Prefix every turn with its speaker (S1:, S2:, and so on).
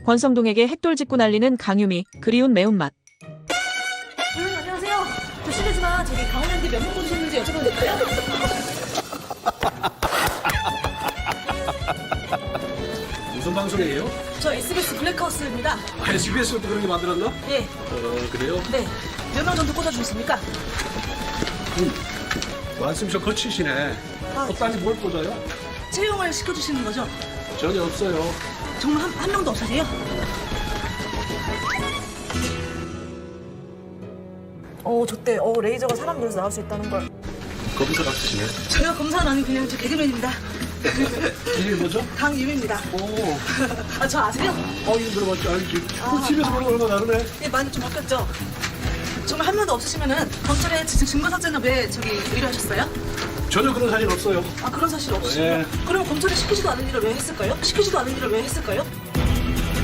S1: 권성동에게 핵돌 짚고 날리는 강유미, 그리운 매운맛.
S2: 안녕하세요. 저 실례지만 저기 강원랜드 몇 명 보셨는지 여쭤봐도 될까요?
S3: 무슨 방송이에요?
S2: 저 SBS 블랙하우스입니다.
S3: SBS도 그런 게 만들었나?
S2: 네.
S3: 그래요?
S2: 네. 몇 명 정도 꽂아주셨습니까?
S3: 말씀이 거치시네. 딴지 뭘 꽂아요?
S2: 채용을 시켜주시는 거죠?
S3: 전혀 없어요.
S2: 정말 한 명도 없으세요? 저때 레이저가 사람 눈에서 나올 수 있다는 걸.
S3: 검사 같으시네.
S2: 저요, 검사는 아니고 그냥 저 개그맨입니다.
S3: 이게 뭐죠?
S2: 강유미입니다.
S3: 오.
S2: 저 아세요?
S3: 이거 들어봤죠? 알지. 집에서 보는 거랑 다르네.
S2: 네, 많이 좀 바뀌었죠? 정말 한 명도 없으시면은 검찰에 증거사진을 왜 의뢰하셨어요?
S3: 전혀 그런 사진 없어요.
S2: 그런 사실 없으시요
S3: 네.
S2: 그럼 검찰이 시키지도 않은 일을 왜 했을까요?